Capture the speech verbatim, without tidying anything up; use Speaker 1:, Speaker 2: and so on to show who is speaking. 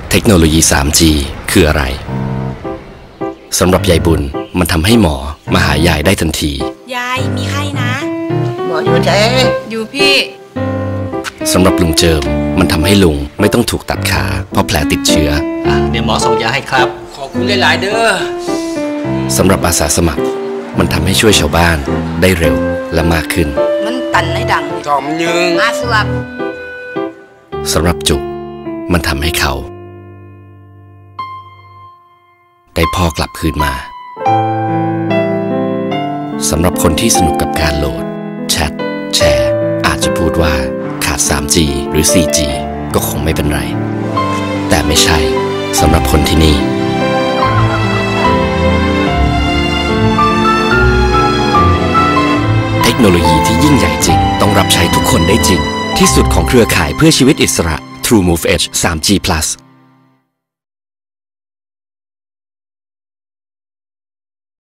Speaker 1: เทคโนโลยี ทรี จี คืออะไรสำหรับยายบุญมันทำให้หมอมาหายายได้ทันที
Speaker 2: ยายมีไข้นะ
Speaker 3: หมออยู่ไหน
Speaker 2: อยู่พี่
Speaker 1: สำหรับลุงเจิมมันทำให้ลุงไม่ต้องถูกตัดขาเพราะแผลติดเชื้อ
Speaker 4: อ่ะเดี๋ยวหมอส่งยาให้ครับขอบคุณหลายๆเด้อ
Speaker 1: สำหรับอาสาสมัครมันทำให้ช่วยชาวบ้านได้เร็วและมากขึ้น
Speaker 2: มันตันในดัง
Speaker 3: จอมยึง
Speaker 2: อาสวับ
Speaker 1: สำหรับจุกมันทำให้เขาได้พ่อกลับคืนมาสำหรับคนที่สนุกกับการโหลดแชทแชร์อาจจะพูดว่าขาด ทรี จี หรือ โฟร์ จี ก็คงไม่เป็นไรแต่ไม่ใช่สำหรับคนที่นี่เทคโนโลยีที่ยิ่งใหญ่จริงต้องรับใช้ทุกคนได้จริงที่สุดของเครือข่ายเพื่อชีวิตอิสระ True Move Edge ทรี จี Plus